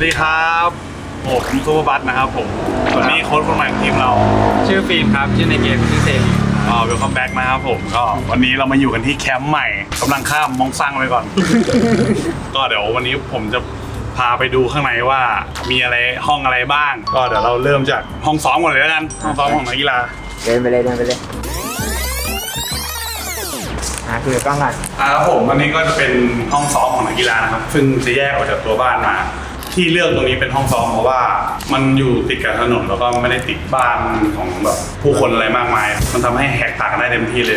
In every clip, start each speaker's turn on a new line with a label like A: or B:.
A: ดีครับผมซูเปอร์บัสนะครับผมวันนี้โค้ชคนใหม่ของทีมเรา
B: ชื่อฟิล์มครับชื่อในเกมชื่อเซรี
A: เวลคัมแบ็กนะครับผมก็วันนี้เรามาอยู่กันที่แคมป์ใหม่กำลังข้ามมองซังไปก่อน ก็เดี๋ยววันนี้ผมจะพาไปดูข้างในว่ามีอะไรห้องอะไรบ้างก็เดี๋ยวเราเริ่มจากห้องซ้อมก่อนเลยแล้วกันห้องซ้อมของนักกีฬา
C: เดินไปเลยคุยกับกล้องก่อน
A: ครับผมอันนี้ก็จะเป็นห้องซ้อมของนักกีฬานะครับซึ่งจะแยกออกจากตัวบ้านมาที่เลือกตรงนี้เป็นห้องซ้อมเพราะว่ามันอยู่ติดกับถนนแล้วก็ไม่ได้ติดบ้านของแบบผู้คนอะไรมากมายมันทำให้แหกตากันได้เต็มที่เลย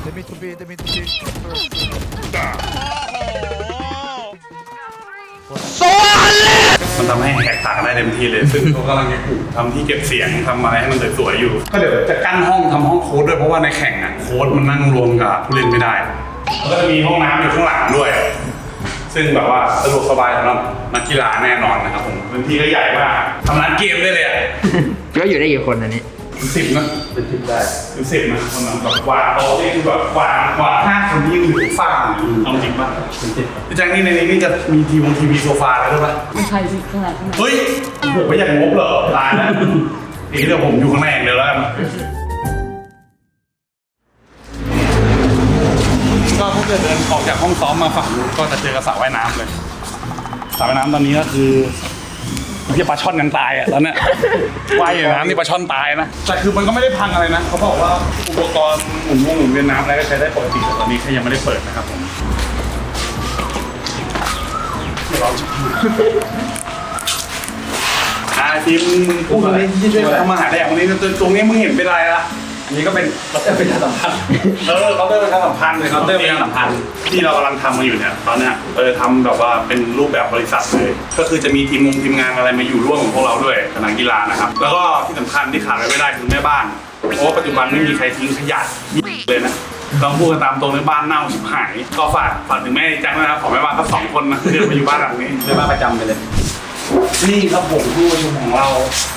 A: มันทำให้แหกตากันได้เต็มที่เลยซึ่งเขากำลังจะทำที่เก็บเสียงทำอะไรให้มันสวยๆอยู่ก็เดี๋ยวจะกั้นห้องทำห้องโค้ดด้วยเพราะว่าในแข่งอ่ะโค้ดมันนั่งรวมกับผู้เล่นไม่ได้แล้วก็จะมีห้องน้ำอยู่ข้างหลังด้วยซึ่งแบบว่าสะดวกสบายสำหรับนักกีฬาแน่นอนนะครับผมพื้นที่ก็ใหญ่มากทำร้านเกมได้เลยอ่ะ
C: ก็อยู่ได้กี่คนอันนี้
A: 10นะเป็น10ได้เป็น10นะคนนั้นแบบวางโต๊ะนี่คือแบบวาง5 คนที่อยู่ฝั่งเอาจริงป่ะพี่แจ็คนี่ในนี้นี่จะมีทีวีโซฟาแล้วด้วยป่ะ
D: ไม่ใช่สิขนาด
A: เฮ้ยผมไม่อยากงบเหรอตายแล้วอีกเดี๋ยวผมอยู่ข้างในอย่างเดียวแล้วกันก็ถ้าเกิดเดินออกจากห้องซ้อมมาฝั่งนู้นก็จะเจอกับสระว่ายน้ำเลยสระว่ายน้ำตอนนี้ก็คือที่ปลาช่อนกันตายอ่ะตอนนี้ว่ายอยู่น้ำนี่ปลาช่อนตายนะแต่คือมันก็ไม่ได้พังอะไรนะเขาบอกว่าอุปกรณ์หมุนเวียนน้ำอะไรก็ใช้ได้ปกติแต่ตอนนี้แค่ยังไม่ได้เปิดนะครับผมทีมพูดอะไรที่ช่วยทำมาหาแดกวันนี้ตรงนี้มึงเห็นเป็นอะไรล่ะ
B: อันนี้ก็เป็นเคาน์เตอร์ประชาสัมพันธ์
A: เคาน์เตอร์ประชาสัมพันธ์เลยเคาน์เตอร์ประชาสัมพันธ์ที่เรากำลังทำมาอยู่เนี่ยตอนนี้ทำแบบว่าเป็นรูปแบบบริษัทเลยก็คือจะมีทีมงานอะไรมาอยู่ร่วมของพวกเราด้วยกับนักกีฬานะครับแล้วก็ที่สำคัญที่ขาดไม่ได้คือแม่บ้านเพราะว่าปัจจุบันไม่มีใครทิ้งขยะเลยนะต้องพูดกันตามตรงในบ้านเน่าชิบหายก็ฝากถึงแม่จังนะครับขอแม่บ้านทั้ง2 คนนะเดินมาอยู่บ้านหลังนี้
B: แม่บ้านประจำไปเลย
A: นี่ครับผมผู้ประชุมของเรา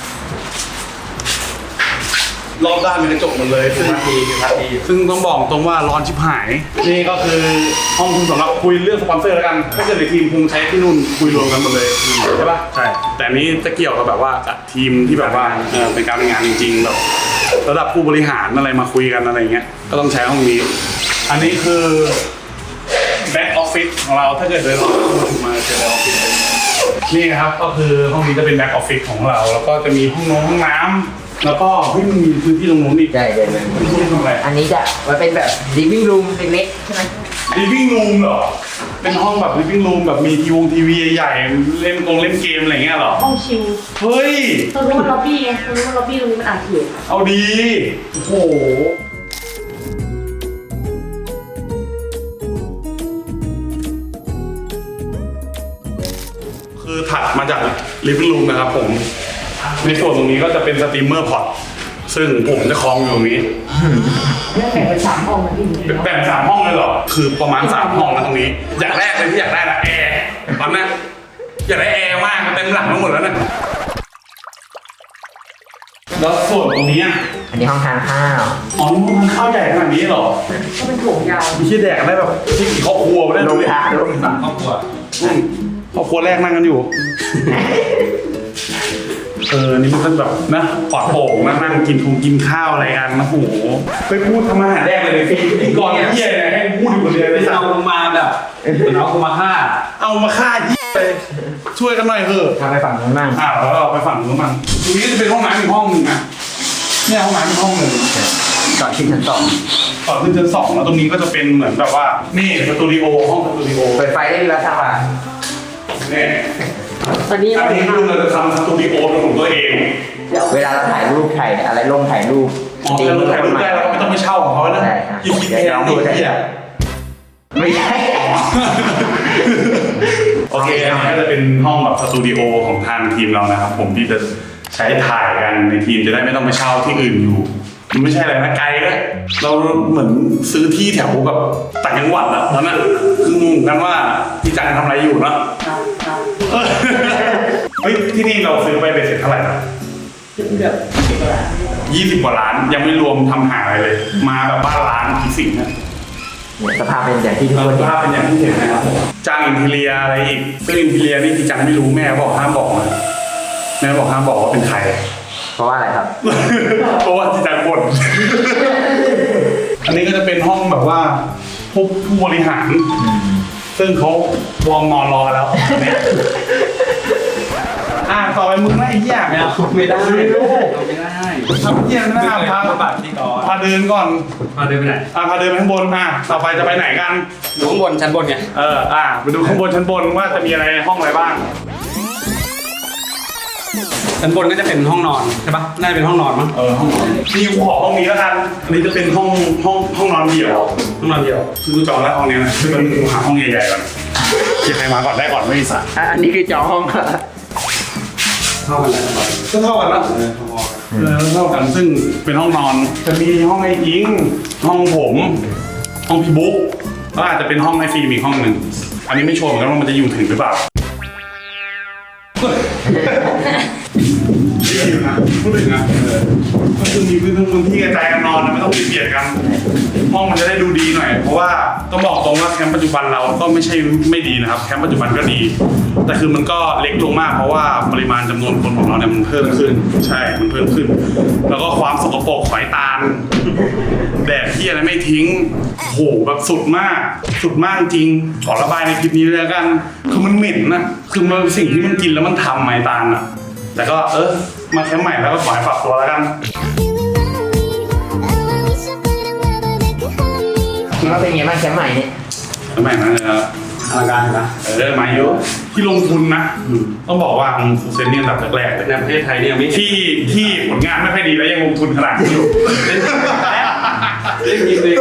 A: รอบด้านมีกระจกหมดเลยซึ่งต้องบอกตรงว่าร้อนชิบหายนี่ก็คือห้องคุณสำหรับคุยเรื่องสปอนเซอร์แล้วกันถ้าเกิดในทีมคงใช้ที่นู่นคุยรวมกันหมดเลยใช่ปะใช่แต่นี้จะเกี่ยวกับแบบว่าทีมที่แบบว่าเป็นการเป็นงานจริงๆแบบระดับผู้บริหารอะไรมาคุยกันอะไรเงี้ยก็ต้องใช้ห้องนี้อันนี้คือแบ็กออฟฟิศของเราถ้าเกิดเดินออกมาเจอแบ็กออฟฟิศนี่ครับก็คือห้องนี้จะเป็นแบ็กออฟฟิศของเราแล้วก็จะมีห้องน้ำแล้วก็มีพื้นที่ตรงนู้นอีก
C: ใช่อันนี้จะมันเป็นแบบ living room เล็กๆใช่ไหม
A: living room เหรอเป็นห้องแบบ living room แบบมีทีวีใหญ่เล่นเกมอะไรเงี้ยเหรอ
D: ห้องชิล
A: เฮ้ย
D: ตรงนู้นมันล็อบบี้ไงตรงนู้นมันล็อบบี้ตรงนี้มันอ่านเขียน
A: เอาดีโอ้โหคือถัดมาจาก living room นะครับผมในส่วนตรงนี้ก็จะเป็นสตรีมเมอร์พอร์ตซึ่งผมจะคล้องอยู่ตรงนี้
D: แบ่งเป็น3 ห้องนะพี่
A: แบ่ง3 ห้องเลยเหรอคือประมาณ3 ห้องนะตรงนี้อย่างแรกเลยที่อยากได้นะแอร์ตอนนั้นอยากได้แอร์มากเต็มหลังทั้งหมดแล้วนะแล้วส่วนตรงนี้
C: อันนี้ห้องทานข้าว
A: อ๋อนี่มันข้าวใหญ่ขนาดนี้เหรอ
D: ก็เป็นโถงยาว
A: มีที่แดกได้แบบที่กี่ครอบครัวได้
C: ลงทาน
A: ครอบครัวแรกนั่งกันอยู่นี่มันก็แบบนะปลอดโปร่งนั่งกินข้าวอะไรกันนะโอ้โหไปพูดทำอาหารแรกเลยพี่ก่อนเยี่ยเลยให้พูดอยู่คนเดียวเลย
B: เอามาแบบเอากูมาฆ่า
A: ไปช่วยกันหน่อยเถอะ
C: ทำไปฝั่งนู้นบ้าง
A: แล้วเราไปฝั่งนู้นบ้างตรงนี้จะเป็นห้องน้ำอีกห้องนึงนะเนี่ยห้องน้ำอีกห้องนึง
C: ก่อนขึ้นชั้น2
A: ก่อนขึ้นชั้น2แล้วตรงนี้ก็จะเป็นเหมือนแบบว่านี่สตูดิโอห้องสตูดิโอ
C: เปิดไฟได้ดีแล้วค่ะ
A: นี่
D: ตอนนี้
A: คือเราจะทำสตูดิโอเป็นของตัวเอง
C: เวลาเราถ่ายรูปอะไรลงถ่ายรูป
A: เราถ่ายรูปได้เราก็ไม่ต้องไปเช่าของเขานะยิงแพงดีที่
C: ไม่ใช่
A: โอเคนี่จะเป็นห้องแบบสตูดิโอของทางทีมเรานะครับผมที่จะใช้ถ่ายกันในทีมจะได้ไม่ต้องไปเช่าที่อื่นอยู่มันไม่ใช่อะไรนะไกลเลยเราเหมือนซื้อที่แถวแบบต่างจังหวัดอะตอนนั้นคืองงกันว่าพี่จังทำอะไรอยู่เนาะเฮ้ยที่นี่เราซื้อไปเป็นเสร็จเท่าไหร่นะ
D: เกือบ
A: 20 กว่าล้านยังไม่รวมทำหาอะไรเลยมาแบบบ้านล้านผีสิงนะ
C: สภาพเป็นอย่างที่ทุกคน
A: ส
C: เห็น
A: ภาพเป็นอย่างที่เห็นนะครับจ้างอินทีเรียอะไรอีกซึ่งอินทีเรียนี่ที่จังไม่รู้แม่บอกห้ามบอกนะแม่บอกห้ามบอกว่าเป็นใคร
C: เพราะว่าอะไรครับ
A: เพราะว่าที่จังบ่นอันนี้ก็จะเป็นห้องแบบว่าผู้บริหารซึ่งเขาวอร์มนอนรอแล้วต่อไปมึงไอ้เหี้ย
B: ไม่เอาไม่ได้
A: ไม่รู้
B: ไม่ได้
A: ทำเหี้ยไม่ได้พา
B: ปากที่ก่อน
A: พาเดินก่อน
B: มาเดินไปไหน
A: พาเดินไปข้างบนต่อไปจะไปไหนกัน
B: อยู่ข้างบนชั้นบนไง
A: ไปดูข้างบนชั้นบนว่าจะมีอะไรในห้องอะไรบ้าง
B: ชั้นบนก็จะเป็นห้องนอนใช่ปะน่าจะเป็นห้องนอนมั้ง
A: ห้องนอนนี่กูขอห้องนี้แล้วกันอันนี้จะเป็นห้องนอนเดี่ยวห้องนอนเดี่ยวซึ่งกูจองแล้วห้องนี้นะซึ่งมันกูหาห้องใหญ่ๆก่อนที่ใครมาก่อนได้ก่อนไม่มีสระ
C: อันนี้คือจองห้อง
B: เข้ากันแล้ว
A: ก็เท่ากันนะเท่ากันซึ่งเป็นห้องนอนจะมีห้องไอ้อิงห้องผมห้องพี่บุ๊กแล้วอาจจะเป็นห้องไอ้ฟิล์มอีกห้องหนึ่งอันนี้ไม่ชัวร์เหมือนกันว่ามันจะอยู่ถึงหรือเปล่าพูดถึงนะก็คือมีพื้นที่กระจายกันนอนไม่ต้องเบียดกันห้องมันจะได้ดูดีหน่อยเพราะว่าต้องบอกตรงว่าแคมป์ปัจจุบันเราก็ไม่ใช่ไม่ดีนะครับแคมป์ปัจจุบันก็ดีแต่คือมันก็เล็กลงมากเพราะว่าปริมาณจำนวนคนของเราเนี่ยมันเพิ่มขึ้นใช่มันเพิ่มขึ้น แล้วก็ความสกปรกฝอยตาลแดดที่อะไรไม่ทิ้งโหแบบสุดมากจริงขอระบายในคลิปนี้เลยแล้วกันคือมันเหม็นนะคือมันสิ่งที่มันกินแล้วมันทำไม้ตาลอะแต่ก็มาแคมป์ใหม่แล้วก็ขอให้ปรับตัวแล้วกัน
C: คิดว่าเป็นไงบ้างแคมป์ใหม่เนี่ย
A: แคมป์ใหม่นั้นเลยนะ
B: อลังการนะ
A: มาเยอะที่ลงทุนนะต้องบอกว่าฟูเซนนี่อันดับแรกๆเลย
B: ในประเทศไทยเนี่ยไม่
A: ที่ผลงานไม่ค่อยดีแล้วยังลงทุนขนาดนี้อยู่
B: เล่นยิงเลย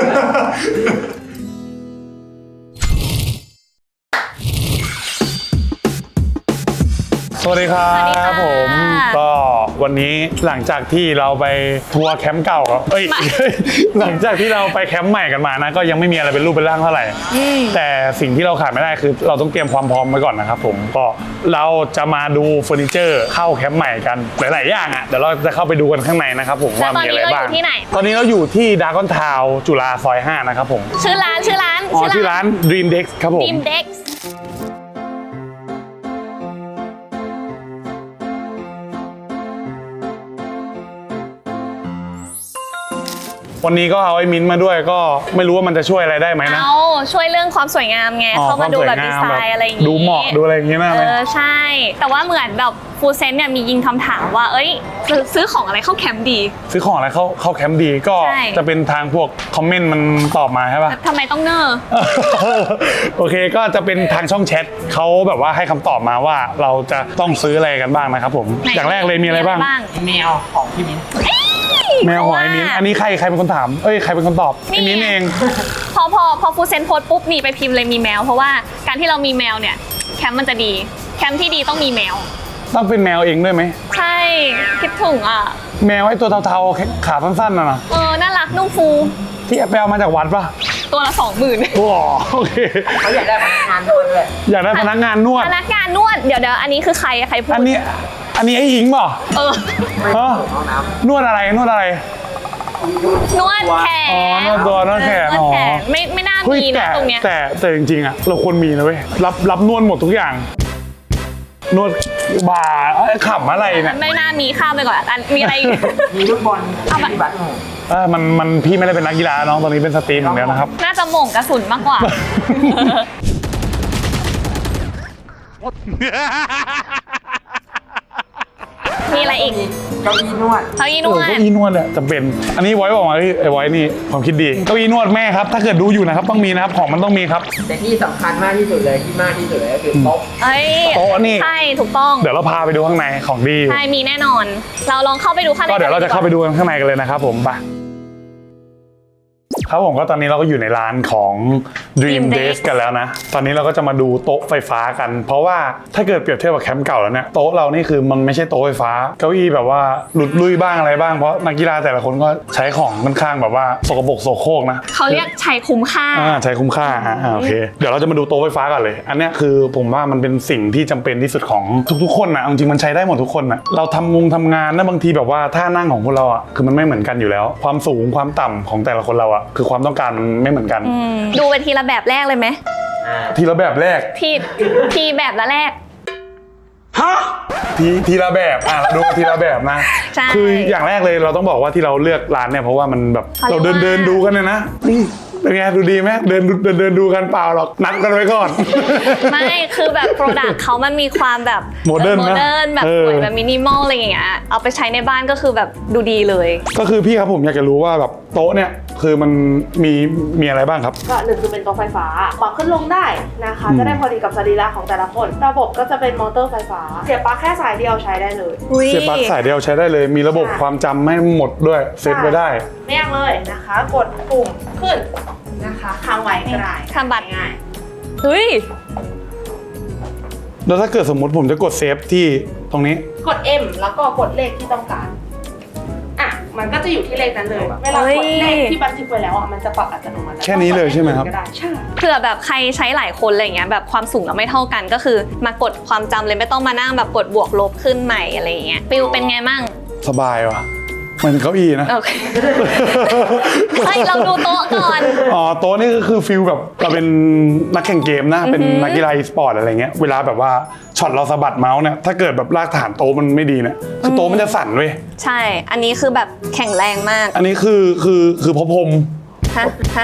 A: สวัสดีครับผมก็วันนี้หลังจากที่เราไปทัวร์แคมป์เก่าครับหลังจากที่เราไปแคมป์ใหม่กันมานะก็ยังไม่มีอะไรเป็นรูปเป็นร่างเท่าไหร่แต่สิ่งที่เราขาดไม่ได้คือเราต้องเตรียมความพร้อมไว้ก่อนนะครับผมก็เราจะมาดูเฟอร์นิเจอร์เข้าแคมป์ใหม่กันหลายๆอย่างเดี๋ยวเราจะเข้าไปดูกันข้างในนะครับผมว่ามีอะไรบ้างตอนนี้เราอยู่ที่ดากอนทาวจุฬาซอย5นะครับผม
D: ชื่อร้าน
A: ชื่อร้าน Dream Dex ครับผม
D: Dream Dex
A: วันนี้ก็เอาไอ้มิ้นท์มาด้วยก็ไม่รู้ว่ามันจะช่วยอะไรได้ไหมนะ
D: ช่วยเรื่องความสวยงามไงเข้ามาดูแบบดีไซน์อะไรอย่างงี้
A: ดูเหมาะดูอะไรอย่างงี้นะ
D: ใช่แต่ว่าเหมือนแบบฟูเซนเนี่ยมียิงคำถามว่าซื้อของอะไรเข้าแคมป์ดี
A: ซื้อของอะไรเข้าแคมป์ดีก็จะเป็นทางพวกคอมเมนต์มันตอบมาใช่ป่ะ
D: ทำไมต้องเนอร์
A: โอเคก็จะเป็นทางช่องแชทเขาแบบว่าให้คำตอบมาว่าเราจะต้องซื้ออะไรกันบ้างนะครับผมอย่างแรกเลยมีอะไรบ้าง
C: แมวของพี่มิ้น
A: แมวของไอ้มิ้นอันนี้ใครเป็นคนถามใครเป็นคนตอบไอ้มิ้นเอง
D: พอฟูเซนโพสปุ๊บนี่ไปพิมพ์เลยมีแมวเพราะว่าการที่เรามีแมวเนี่ยแคมป์มันจะดีแคมป์ที่ดีต้องมีแมว
A: ต้องเป็นแมวเองด้วยไหม
D: ใช่คิดถึง
A: แมวไอ้ตัวเทาๆขาสั้นๆน่ะ
D: น่ารักนุ่มฟู
A: ที่ไปเอามาจากวัดป่ะ
D: ตัวละ 20,000
A: โอ้โอเค
C: เขาอยากได้พนักงานนวดด้วย
A: อยากได้พนักงานนวด
D: เดี๋ยวอันนี้คือใครพูด
A: อันนี้ไอ้หญิงป่ะนวดอะไร
D: นวดแขน
A: นวดแขน
D: ไม่น่ามีนะตรงเนี้ย
A: แต่จริงๆเราควรมีนะเว้ยรับนวดหมดทุกอย่างนวดบ่าขำอะไรเนี่ย
D: ไม่น่ามีข้ามไปก่อนมีอะไร
C: มีฟุตบอลมีบัตร
A: มันพี่ไม่ได้เป็นนักกีฬาน้องตอนนี้เป็นสตรีมอย่างเดียวนะครับ
D: น่าจะหม่งกระสุนมากกว่ามีอะไรอีก
C: เก้าอี้นวด
A: เก้าอี้นวดเนี่ยจำเป็นอันนี้ไว้บอกมาไอ้ไว้นี่ความคิดดีเก้าอี้นวดแม่ครับถ้าเกิดดูอยู่นะครับต้องมีนะครับของมันต้องมีครับ
C: แต่ที่สำคัญมากที่สุดเลยที่มากที่สุดเลยก็คือโต๊ะ
A: โต๊ะนี่
D: ใช่ถูกต้อง
A: เดี๋ยวเราพาไปดูข้างในของดี
D: ใช่มีแน่นอนเราลองเข้าไปดูข้างใน
A: ก็เดี๋ยวเราจะเข้าไปดูข้างในกันเลยนะครับผมไปครับผมก็ตอนนี้เราก็อยู่ในร้านของ Dream Desk กันแล้วนะ ตอนนี้เราก็จะมาดูโต๊ะไฟฟ้ากัน เพราะว่าถ้าเกิดเปรียบเทียบกับแคมป์เก่าแล้วเนี่ยโต๊ะเรานี่คือมันไม่ใช่โต๊ะไฟฟ้าเก้าอี้แบบว่าหลุดลุยบ้างอะไรบ้างเพราะนักกีฬาแต่ละคนก็ใช้ของค่อนข้างแบบว่าสกปรกโสโครกนะ
D: เขาเรียกใช้คุ้มค่า
A: ใช้คุ้มค่าโอเคเดี๋ยวเราจะมาดูโต๊ะไฟฟ้ากันเลยอันเนี้ยคือผมว่ามันเป็นสิ่งที่จำเป็นที่สุดของทุกๆคนนะจริงๆมันใช้ได้หมดทุกคนนะเราทำงานนะบางทีแบบว่าท่านั่งของพวกเราอ่ะคือมันไม่เหมือนกันอยู่แล้วความสูงความต่ำของแต่ละคนเราอ่ะคือความต้องการมันไม่เหมือนกัน
D: ดูเป็นทีละแบบแรกเลยไหม
A: ทีละแบบแรก
D: ทีแบบละแรก
A: ทีละแบบเราดูทีละแบบนะ
D: ใช่
A: คืออย่างแรกเลยเราต้องบอกว่าที่เราเลือกร้านเนี่ยเพราะว่ามันแบบ
D: เขาเรี
A: เรา
D: ยกว่า
A: เดินดูกันเนี่ยนะนี่เป็นไงดูดีไหมเดินดูกันเปล่าหรอกนัดกันไว้ก่อน
D: ไม่คือแบบโปรดักต์เขามันมีความแบบ
A: โมเดิร์นนะ
D: แบบสวยแบบมินิมอลอะไรอย่างเงี้ยเอาไปใช้ในบ้านก็คือแบบดูดีเลย
A: ก็คือพี่ครับผมอยากจะรู้ว่าแบบโต๊ะเนี่ยคือมันมีอะไรบ้างครับ
E: ก็หนึ่งคือเป็นโต๊ะไฟฟ้าปรับขึ้นลงได้นะคะ จะได้พอดีกับสรีระของแต่ละคน ระบบก็จะเป็นมอเตอร์ไฟฟ้า เสียบปลั๊กแค่สายเดียวใช้ได้เลย
A: เสียบปลั๊กสายเดียวใช้ได้เลย มีระบบความจำไม่หมดด้วยเซตไว้ได้
E: ไม่ยากเลยนะคะ กดปุ่มขึ้นนะคะค้างไว้ก็ได้
D: ทำบัตร
E: ง่าย
D: เฮ้ย
A: แล้วถ้าเกิดสมมติผมจะกดเซฟที่ตรงนี้
E: กด M แล้วก็กดเลขที่ต้องการมันก็จะอยู่ที่เลขนั้นเลยเวลากดเลขที่บันทึกไว้แล้วมันจะปรับอัตโนมัติ
A: แค่นี้เลยใช่ไหมครับ
E: ก็ด้ใช่
D: เผื่อแบบใครใช้หลายคนอะไรเงี้ยแบบความสูงเราไม่เท่ากันก็คือมากดความจำเลยไม่ต้องมานั่งแบบกดบวกลบขึ้นใหม่อะไรเงี้ยฟิลเป็นไงมั่ง
A: สบายว่ะมันเป็นเก้าอี้นะ
D: โอเค เฮ้ยเราดูโต๊ะก่อน
A: อ๋อโต๊ะนี่ก็คือฟิลแบบเราเป็นนักแข่งเกมนะเป็นนักกีฬาอีสปอร์ตอะไรเงี้ยเวลาแบบว่าช็อตเราสะบัดเมาส์เนี่ยถ้าเกิดแบบรากฐานโต๊ะมันไม่ดีเนี่ยคือโต๊ะมันจะสั่นเว้ย
D: ใช่ อันนี้คือแบบแข็งแรงมาก
A: อันนี้คือพอผม
D: ฮะ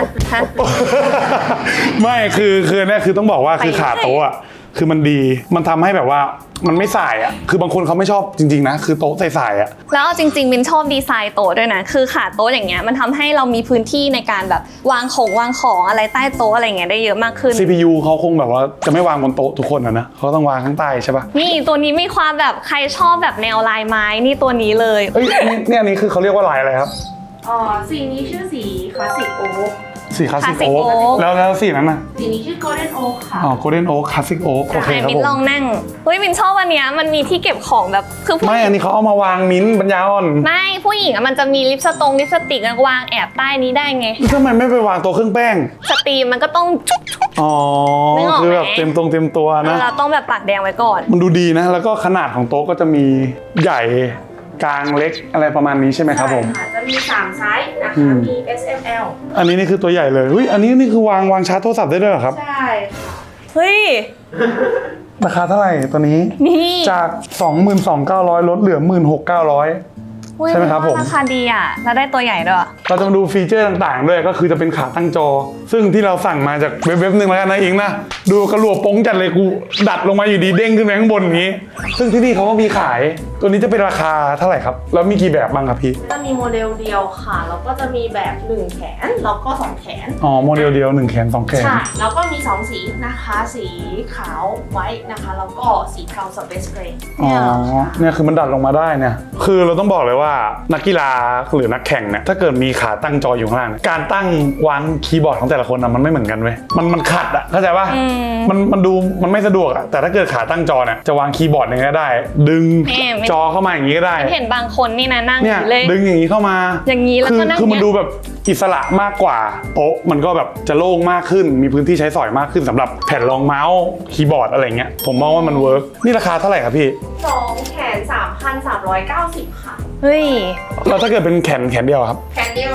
A: ไม่คือเนี่ยคือต้องบอกว่าคือขาโต๊ะอะคือมันดีมันทำให้แบบว่ามันไม่สายอะคือบางคนเขาไม่ชอบจริงๆนะคือโต๊ะใสๆอะ
D: แล้วเอาจริงๆมินชอบดีไซน์โต๊ะด้วยนะคือขาโต๊ะอย่างเงี้ยมันทำให้เรามีพื้นที่ในการแบบวางของอะไรใต้โต๊ะอะไรเงี้ยได้เยอะมากขึ้น
A: CPU เขาคงแบบว่าจะไม่วางบนโต๊ะทุกคนนะเขาต้องวางข้างใต้ใช่ปะ
D: นี่ตัวนี้มีความแบบใครชอบแบบแนวลายไม้นี่ตัวนี้เลย
A: เอ้ยเนี่ยอันนี้คือเขาเรียกว่าลายอะไรครับ
E: สีนี้ชื่อสีคลาสสิกโอ๊ค
A: สีคลาสสิก
D: Classic
A: โอ๊ก
D: Oak
A: แล้วสีนั้นน่ะ
E: สีนี้ชื่อโกลเด้นโอ๊คค่ะ
A: อ๋อโกลเด้นโอ๊กคลาสสิกโอ๊กโอเค
D: ไหน
A: ครับ
D: มิน
A: ผม
D: ลองนั่งเฮ้ยมินชอบอันเนี้ยมันมีที่เก็บของแบบคือผู้
A: ไม่อันนี้เขาเอามาวางมิ้นท์ปัญญาอ่อน
D: ไม่ผู้หญิงอะมันจะมีลิปสติกวางแอบใต้นี้ได้ไง
A: ทำไมไม่ไปวางตัวเครื่องแป้ง
D: สตรีมมันก็ต้อง
A: อ๋อ
D: นึกออกไหม
A: คือแบบเต็มตัวนะ
D: เราต้องแบบปากแดงไว้ก่อน
A: มันดูดีนะ แล้วก็ขนาดของโต๊ะก็จะมีใหญ่กลางเล็กอะไรประมาณนี้ใช่ไหมครับผม
E: ใช่ะจะมี3ไซส์นะคะ มี S M L
A: อันนี้นี่คือตัวใหญ่เลยอันนี้นี่คือวางชาร์จโทรศัพท์ได้ด้วยเหรอครับ
E: ใช่ค่ะ
D: เฮ้ย
A: ราคาเท่าไหร่ตัวนี้
D: นี่
A: จาก 22,900 ลดเหลือ 16,900
D: เฮ้ย
A: ใช่ไหมครับผม
D: ราคาดีอ่ะแล้วได้ตัวใหญ่ด้วย
A: เราจะมาดูฟีเจอร์ต่างๆด้วยก็คือจะเป็นขาตั้งจอ ซึ่งที่เราสั่งมาจากเว็บหนึ่งแล้วกันนะอิงนะดูกระหลวโป้งจัดเลยกูดัดลงมาอยู่ดีเด้งขึ้นไปข้างบนอย่างนี้ ซึ่งที่นี่เขาก็มีขายตัวนี้จะเป็นราคาเท่าไหร่ครับแล้วมีกี่แบบบ้างครับพี่
E: จะมีโมเดลเดียวค่ะ แล้วก็จะมีแบบ1แขน แล้วก็2แขน
A: อ๋อโมเดลเดียว1แขน2แขน
E: ใช่ แล้วก็มี2สีนะคะ สีขาวไว้นะคะ แล้วก็สีเทาสเปซเกรย์
A: อ๋อเนี่ยคือมันดัดลงมาได้เนี่ยคือเราต้องบอกเลยว่านักกีฬาหรือนักแข่งเนี่ยถ้าเกิดมีขาตั้งจออยู่ข้างล่างการตั้งวางคีย์บอร์ดของแต่ละคนนะมันไม่เหมือนกันเว้ยมันขัดอะเข้าใจป่ะมันดูมันไม่สะดวกอะแต่ถ้าเกิดขาตั้งจอเนี่ยจะวางคีย์บอร์ดยังไงก็ได้ ดึงจอเข้ามาอย่างนี้ก็ได้
D: เห็นบางคนนี่นะนั่งอ
A: เนี่ย
D: ยู่เลย
A: ดึงอย่างนี้เข้ามา
D: อย่างนี้แล้วก็นั่ง
A: คือมัน
D: เนี่ย
A: ดูแบบอิสระมากกว่าโต๊ะมันก็แบบจะโล่งมากขึ้นมีพื้นที่ใช้สอยมากขึ้นสำหรับแผ่นรองเมาส์คีย์บอร์ดอะไรเงี้ยผมมองว่ามันเวิร์กนี่ราคาเท่าไหร่ครับพี่
E: 2แขน 3,390 ค่ะ
D: เฮ้ย
A: แล้วถ้าเกิดเป็นแขนเดียวครับ
E: แขนเดียว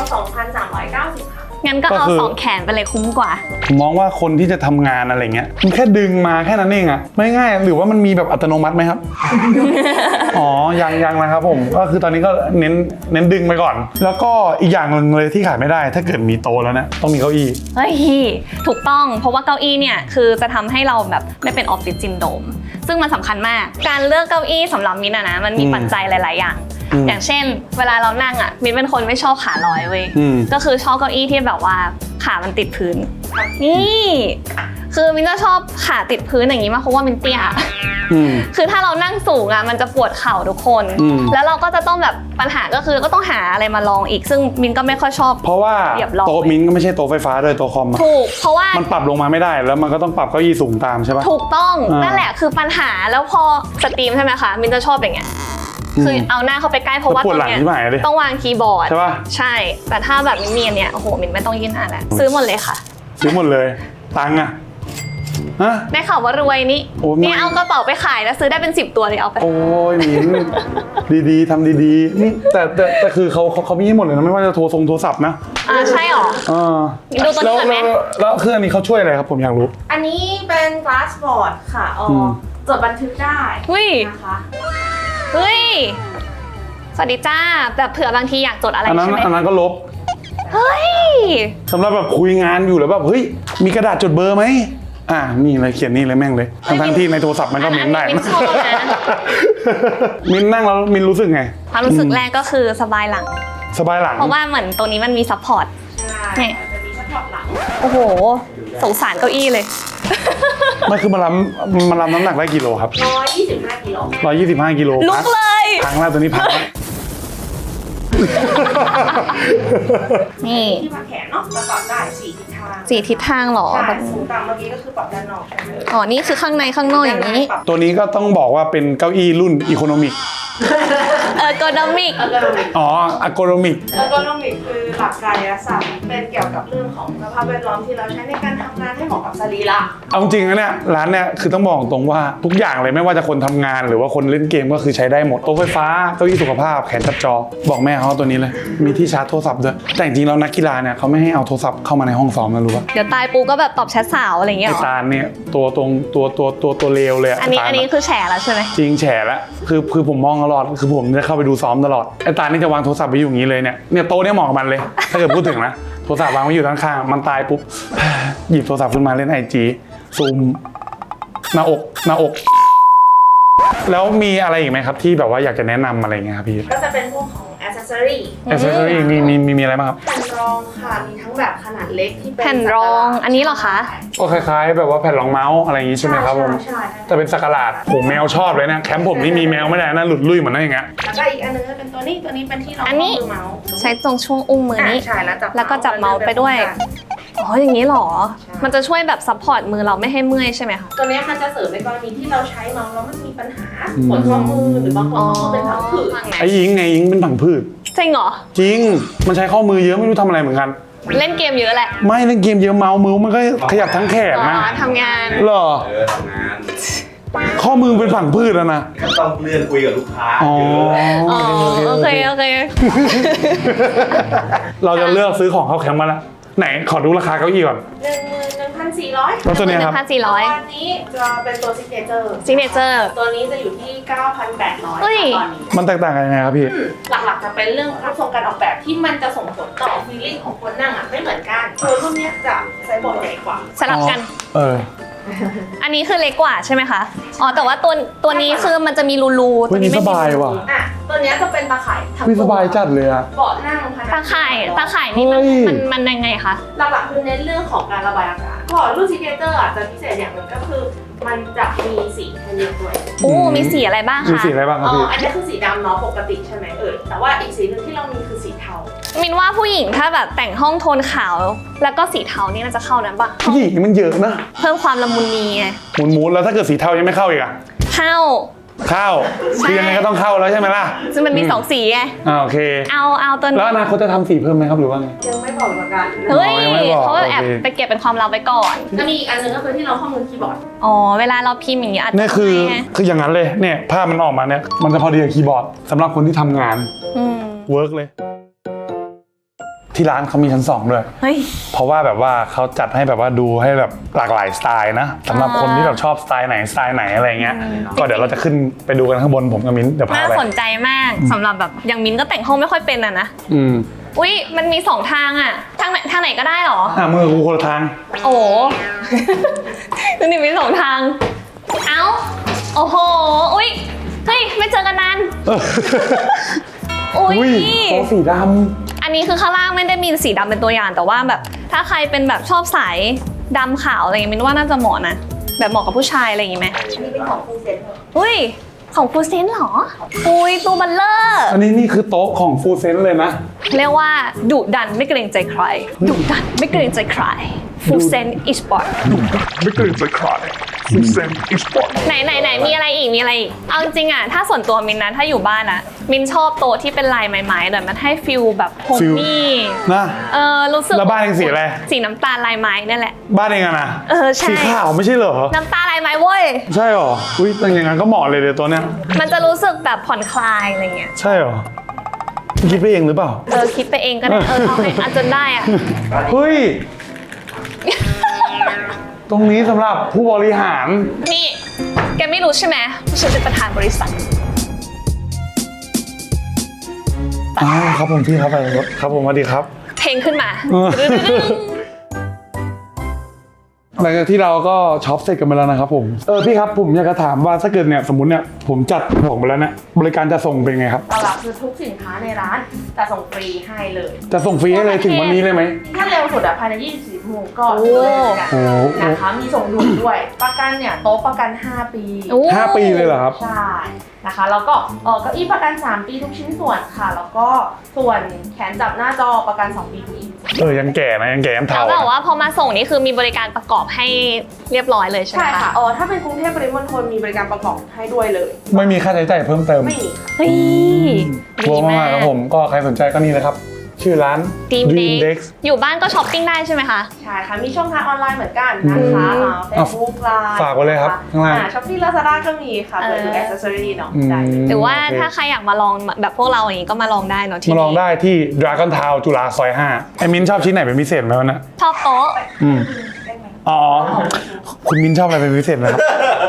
E: 2,390 ค่ะ
D: งั้นก็
A: ก็
D: เอา
A: คือ
D: สองแขนไปเลยคุ้มกว่า
A: ผมมองว่าคนที่จะทำงานอะไรเงี้ยมันแค่ดึงมาแค่นั้นเองอะไม่ง่ายหรือว่ามันมีแบบอัตโนมัติไหมครับ อ๋อยังนะครับผมก็คือตอนนี้ก็เน้นดึงไปก่อน แล้วก็อีกอย่างหนึ่งเลยที่ขาดไม่ได้ถ้าเกิดมีโต๊ะแล้วเนี่ยต้องมีเก้าอี้
D: เฮ้ยถูกต้องเพราะว่าเก้าอี้เนี่ยคือจะทำให้เราแบบไม่เป็นออฟฟิศซินโดรมซึ่งมันสำคัญมากการเลือกเก้าอี้สำหรับมินนะมันมีปัจจัยหลาย ๆ อย่าง อย่างเช่น เวลาเรานั่งอ่ะมินเป็นคนไม่ชอบขาลอยเว้ยก็คือชอบเก้าอี้ที่แบบว่าขามันติดพื้นนี่คือมินจะชอบขาติดพื้นอย่างนี้มากเพราะว่ามินเตี้ย คือถ้าเรานั่งสูงอ่ะมันจะปวดเข่าทุกคน แล้วเราก็จะต้องแบบปัญหาก็คือก็ต้องหาอะไรมาลองอีกซึ่งมินก็ไม่ค่อยชอบ
A: เพราะว่าโต๊ะมิ้นก็ไม่ใช่โต๊ะไฟฟ้าด้วยโต๊ะคอม
D: ถูกเพราะว่า
A: มันปรับลงมาไม่ได้แล้วมันก็ต้องปรับเก้าอี้สูงตามใช่ปะ
D: ถูกต้องนั่นแหละคือปัญหาแล้วพอสตรีมใช่ไหมคะมินจะชอบอย่างเงี้ยคือเอาหน้าเข้าไปใกล้เพราะว่าตรงเนี้ยต้องวางคีย์บอร์ด
A: ใช่ปะ
D: ใช่แต่ถ้าแบบมินมีอันเนี้ยโอ้โหมินไม่ต้องยื่นหน้าแล้วซื้อหมดเลยค่ะ
A: ซื้อหมดเลยตังค์อะฮะ
D: ได้ข่าวว่ารวยนี่
A: โอ้ยไม่
D: นี่เอากระเป๋าไปขายแล้วซื้อได้เป็น10 ตัวเลยเอาไป
A: โอ้ยมิ้นดีๆทำดีๆนี่แต่คือเขามีให้หมดเลยนะไม่ว่าจะโทรศัพท์นะ
D: ใช่หรอ ดูตัวนี้ก่อนไหม
A: แล้วเครื่องนี้เขาช่วยอะไรครับผมอยากรู้
E: อันนี้เป็น glass board ค่ะจดบันทึกได้
D: หุ้ย
E: นะคะ
D: เฮ้ยสวัสดีจ้าแบบเผื่อบางทีอยากจดอะไร
A: อันนั้น
D: ใช่ไหม
A: อันนั้นก็ลบ
D: เฮ้ย
A: สำหรับแบบคุยงานอยู่แล้วแบบเฮ้ยมีกระดาษจดเบอร์ไหมนี่เลยเขียนนี่เลยแม่งเลยทั้งที่ในโทรศัพท์มันก็มิ้นได้
D: อันนี้มิ้นชอบนะ
A: มิ้นนั่งแล้วมิ้นรู้สึกไง
D: ความรู้สึกแรกก็คือสบายหลัง
A: สบายหลัง
D: เพราะว่าเหมือนตรงนี้มันมีซัพพอร์ต
E: ใช่จะมีซัพพอร์ตหลัง
D: โอ้โหสงสารเก้าอี้เลย
A: มันคือมันรับน้ำหนักได้กี่โลครับ
E: 125 กิโล
A: 125 กิโล
D: ลุกเลย
A: พังแล้วตัวนี้พังแล้ว
D: นี่
E: ที่มาแขนเนาะประกอบได้4 ทิศทาง
D: 4 ทิศทางเหรอ
E: ใช่
D: แบบ
E: สูงต่ำเมื่อกี้ก็คือปรับด้านนอกใช่ไหม
D: อ๋อนี่คือข้างในข้างนอกอย่างนี้
A: ตัวนี้ก็ต้องบอกว่าเป็นเก้าอี้รุ่นอีโคโนมิก
D: โกดมิก
E: เออร์โกนอมิก
A: อ๋ออะโกโนมิก
E: เออร์โกนอมิกคือหลักกายศาสตร์เป็นเกี่ยวกับเรื่องของสภาพแวดล้อมที่เราใช้ในการทำงานให้เหมาะกับสรีระ
A: เอาจริงนะเนี่ยร้านเนี่ยคือต้องบอกตรงว่าทุกอย่างเลยไม่ว่าจะคนทำงานหรือว่าคนเล่นเกมก็คือใช้ได้หมดโต๊ะไฟฟ้าเก้าอี้สุขภาพแขนจับจอบอกแม่เขาตัวนี้เลยมีที่ชาร์จโทรศัพท์ด้วยแต่จริงๆแล้วนักกีฬาเนี่ยเขาไม่ให้เอาโทรศัพท์เข้ามาในห้องซ้อมนะรู้ป่ะ
D: เดี๋ยวตายปูก็แบบตอบแชทสาวอะไรอย่างเงี้ย
A: ไอ้
D: เหรอ
A: ตาลเนี่ยตัวเลวเลยะ
D: อันนี้
A: ไตาล
D: อันนี้คือแฉแล้วใช่ไหม
A: จริงแฉแล้วคือผมมองตลอดคือผมจะเข้าไปดูซ้อมตลอดไอ้ตาลนี่จะวางโทรศัพท์ไว้อยู่อย่างนี้เลยเนี่ยโต๊ะเนี่ยเหมาะกับมันเลย ถ้าเกิดพูดถึงนะโทรศัพท์วางไว้อยู่ด้านข้างมันตายปุ๊บ หยิบโทรศัพท์ขึ้นมาเล่น IG ซูมหน้าอก แล้วมีอะไรอีกไหมครับที่แบบว่าอยากจะแนะนำอะไรเงี้ยครับพี่
E: ก็จะเป็นพวกของ accessory
A: แอคเซสซอรี่มีอะไรบ้างครับ
E: แผ่นรองค่ะ มีทั้งแบบขนาดเล็กที่เป็น
D: แผ่นรองอันนี้เหรอคะ
A: ก็คล้ายๆ แบบว่าแผ่นรองเมาส์อะไรอย่างงี้ใช่ไหมครับผม
E: ใช่
A: แต่เป็นสักหลาดผมแมวชอบเลยนะแคมป์ผมนี่มีแมวไม่ได้นะหลุดลุ่ยเหมือนนั่นอย่างเงี้ย
E: แล้วก็อีกอันนึงก็เป็นตัวนี้เป็นที่รอง
D: อันนี้
E: มือเมาส์
D: ใช้ตรงช่วงอุ้งมือนี้
E: ใช่แล้วก็
D: จับเมาส์ไปด้วย อ๋ออย่างนี้เหรอ มันจะช่วยแบบซัพพอร์ตมือเราไม่ให้เมื่อยใช่ไหมคะ
E: ตัวนี้มันจะเสริมในกรณีที่เราใช้เมาส์แล้วมันมีปัญหาปวดข้อมือหรือบางคนก็เป็นผังผืด
A: ไอ้ยิงเป็นผังพืช
D: จริงเหรอ
A: จริงมันใช้ข้อมือเยอะไม่รู้ทำอะไรเหมือนกัน
D: เล่นเกมเยอะแหละ
A: ไม่เล่นเกมเยอะเมาส์มือมันก็ขยับทั้งแขน
D: อ๋อ
A: นะ
D: ทำงาน
A: เหรอ
B: ทำงาน
A: ข้อมือเป็นผังพืชแล้วนะ
B: ก็ต้องเลื่อนคุยกับลูกค้า
A: อ๋อ
D: อ๋อโอเค
A: เราจะเลือกซื้อของเข้าแคมป์มาแล้วไหนขอดูราคาเก้าอี้ก่อน
E: 11,400
A: แล้วตัวเนี้ยครับ
E: ตัวนี้จะเป็นตัวซิกเนเจอร์
D: ซิกเนเจอร์
E: ตัวนี้จะอยู่ที่ 9,800
D: เฮ้ย
E: ตอนนี้
A: มันแตกต่างกันยังไงครับพี่
E: หลักๆจะเป็นเรื่องรูปทรงการออกแบบที่มันจะส่งผลต่อฟีลลิ่งของคนนั่งอ่ะไม่เหมือนกันตัวรุ่นเนี้ยจะไซส์บอร์ดใหญ่กว่า
D: สลับกัน
A: อัน
D: นี้คือเล็กกว่าใช่ไหมคะ อ๋อแต่ว่าตัวนี้คือมันจะมีรูๆ
A: เฮ้
D: ตั
A: ยว
D: นี้
A: นี่ส
D: ไม่มี
A: บายว่ะ
E: อ่ะตัวเนี้ยจะเป็นตาข่ายทั้ง
A: พี่
E: ตั
A: สบายจัดเลยอะ
E: เบาะนั่งพนัก
D: ตาข่ายนี่มันยังไงคะ
E: หลักๆคือเน้นเรื่องของการระบายอากาศก่อนรุ่นซิกเนเจอร์อ่ะจะพิเศษอย่างหนึ่งก็คือมันจะมีสีให้เลือกด้วย
D: มีสีอะไรบ้าง
A: มี
D: คะ
A: สีอะไรบ้างครับพี่
E: อันนี้คือสีดำเนาะปกติใช่ไหมแต่ว่าอีกสีหนึงที่เรามีคือสีเทา
D: มินว่าผู้หญิงถ้าแบบแต่งห้องโทนขาว แล้วก็สีเทานี่น่าจะเข้านั้นปะ
A: ผู้หญิงมันเยอะนะ
D: เพิ่มความละมุนนีไง
A: หมุนแล้วถ้าเกิดสีเทายังไม่เข้าอีกอะ
D: เข้า
A: เข้าคือยังไงก็ต้องเข้าแล้วใช่ไหมล่ะ
D: ซึ่งมันมีสองสีไง
A: โอเค
D: เอาตัว
A: แล้ว
D: นี้
A: อนาคตจะทำสีเพิ่มไหมครับหรือว่าไง
E: ยังไม่บอกเหมือนกัน
D: เฮ้ย
A: ยังไม่บอก
D: เขาแอบ
A: โอเค
D: ไปเก็บเป็นความลับไว้ก่อน
E: จะมีอีกอันหนึงก็คือที่เราข้อมูลคีย์บอร์ด
D: อ๋อ เวลาเราพิมพ์อย่างนี้อาจจะ
A: เนี่ยคือ
D: ไม่ไง
A: อย่างนั้นเลยเนี่ยภาพมันออกมาเนี่ยมันจะพอดีกับคีย์บอร์ดสำหรับคนที่ทำงาน
D: อืม
A: เวิร์กเลย ที่ร้านเขามีชั้น 2ด้วย
D: เฮ้ย
A: เพราะว่าแบบว่าเขาจัดให้แบบว่าดูให้แบบหลากหลายสไตล์นะสำหรับคนที่แบบชอบสไตล์ไหนอะไรเงี้ยก็เดี๋ยวเราจะขึ้นไปดูกันข้างบนผมกับมิ้นเดี๋ยวพา
D: น่า
A: ไป
D: สนใจมากสำหรับแบบอย่างมินก็แต่งห้องไม่ค่อยเป็นอะนะ อุ๊ย มันมี2ทางอะทางไหนก็ได้เหรอ
A: มือกูคนละทาง
D: โอ้ นี่มี2ทาง เอ้า โอ้โห อุ๊ย เฮ้ย ไม่เจอกันนาน อุ๊ย
A: โต๊ะสีด
D: อันนี้คือข้างล่างไม่ได้มีสีดำเป็นตัวอย่างแต่ว่าแบบถ้าใครเป็นแบบชอบสายดำขาวอะไรอย่างงี้มินว่าน่าจะเหมาะนะแบบเหมาะกับผู้ชายอะไรอย่างงี้ไหม
C: นี่เป็นของฟูเซน
D: อุ้ยของฟูเซนเหรออุ้ยตัวบัลเลอร์
A: อันนี้นี่คือโต๊ะของฟูเซนเลยนะ
D: เรียกว่าดุดันไม่เกรงใจใครดุดันไม่เกรงใจใครฟูเซนอีสปอร์ต
A: ไม่เกรงใจใครฟูเซนอีสปอร์ต
D: ไหนมีอะไรอีกมีอะไรอีกเอาจริงๆอ่ะถ้าส่วนตัวมินนะถ้าอยู่บ้านอ่ะมินชอบโต๊ะที่เป็นลายไม้ๆหน่อยมันให้ฟิลแบบโฮมมี่
A: นะ
D: รู้สึก
A: แล้วบ้านเองสีอะไร
D: สีน้ำตาลลายไม้นั่นแหละ
A: บ้านเองอะนะ
D: ใช่
A: สีขาวไม่ใช่เหรอ
D: น้ำตาลลายไม้เว้ย
A: ใช่เหรออุ้ยแต่อย่างนั้นก็เหมาะเลยเดี๋ยวตัวเนี้ย
D: มันจะรู้สึกแบบผ่อนคลายอะไรเงี้ย
A: ใช่เหรอคิดไปเองหรือเปล่า
D: คิดไปเองก็ได้เอาให้อาจนได้อ่ะ
A: เฮ้ย ตรงนี้สำหรับผู้บริหาร
D: นี่แกไม่รู้ใช่ไหมว่าฉันเป็นประธานบริษัท
A: ครับผมพี่ครับไปรถครับผมสวัสดีครับ
D: เพลงขึ้นมา
A: หลังจากที่เราก็ช็อปเสร็จกันไปแล้วนะครับผมพี่ครับผมอยากจะถามว่าถ้าเกิดเนี่ยสมมติเนี่ยผมจัดของไปแล้วเนี่ยบริการจะส่งเป็นไงครับ
E: เรารับคือทุกสินค้าในร้านจะส่งฟรีให้เลย
A: จะส่งฟรีให้เลยถึงวันนี้เลยไหม
E: ถ้าเร็วสุดภายใน24ชั่วโมงก็
D: โอ้
E: เลยกัน
A: โอ้
E: นะคะมีส่งด่วนด้วย ประกันเนี่ยโต๊ะประกัน 5 ปี
A: 5 ปีเลยเหรอครับ
E: ใช่นะคะแล้วก็เก้าอี้ประกัน 3 ปีทุกชิ้นส่วนค่ะ แล้วก็ส่วนแขนจับหน้าจอประกัน 2 ปีทุกอีก
A: ยังแก่นะยังแก่ยัง
D: แล้
A: เทาว
D: แบบว่าพอมาส่งนี่คือมีบริการประกอบให้เรียบร้อยเลยใช่ไหม
E: ใช่
D: คะ
E: ค่ะถ้าเป็นกรุงเทพปริมณฑลมีบริการประกอบให้ด้วยเลย
A: ไม่มีค่าใช้จ่ายเพิ่มเติม
E: ไม่มีค่ะ
D: เฮ้ย
A: โทรมากครับผมก็ใครสนใจก็นี่นะครับ ชื่อร้าน
D: Dream
A: Dex
D: Dex อยู่บ้านก็ช้อปปิ้งได้ใช่ไหมคะ
E: ใช่ค่ะ มีช่องทางออนไลน์เหมือนกันนะคะเฟซบุ๊กไลน์
A: ฝากไว้เลยครับข้างล่าง
E: ช้อปปี้ลาซาด้าก็มีค่ะเปิดดูแอคเซสซอรี่เนาะได้
D: หรือว่า
A: โเค
D: ถ้าใครอยากมาลองแบบพวกเราอย่างนี้ก็มาลองได้เนอะที่
A: มาลอง
D: นี่
A: ได้ที่ Dragon Town จุฬาซอย 5ไอ้มิ้นชอบชิ้นไหนเป็นพิเศษไหมวะเนะ
D: ชอบโต๊ะ
A: อ๋อ คุณมิ้นชอบอะไรเป็นพิเศษไหมครับ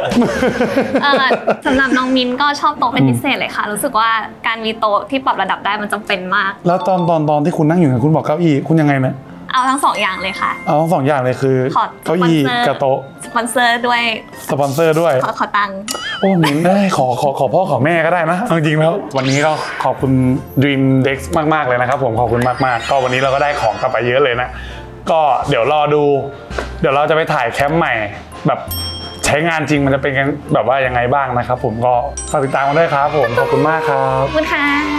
D: สำหรับน้องมินก็ชอบโต๊ะเป็นพิเศษเลยค่ะ รู้สึกว่าการมีโต๊ะที่ปรับระดับได้มันจำเป็นมาก
A: แล้วตอนที่คุณนั่งอยู่เนี่ยคุณบอกเก้าอี้คุณยังไงนะ
D: เอาทั้งสองอย่างเลยค่ะ
A: เอาทั้งสองอย่างเลยคือ
D: ขอ
A: เก้าอี้กับโต๊ะ
D: สปอนเซอร์ด้วย
A: สปอนเซอร์ด้วย
D: ขอตังค์
A: โอ้มิ้นได้ขอพ่อขอแม่ก็ได้นะเอาจริงๆแล้ววันนี้ก็ขอบคุณ Dream Dex มากๆเลยนะครับผมขอบคุณมากๆก็วันนี้เราก็ได้ของกลับไปเยอะเลยนะก็เดี๋ยวรอดูเดี๋ยวเราจะไปถ่ายแคมป์ใหม่แบบใช้งานจริงมันจะเป็นแบบว่ายังไงบ้างนะครับผมก็ฝากติดตามกันด้วยครับผมขอบคุณมากครับ
D: ขอบคุณค่ะ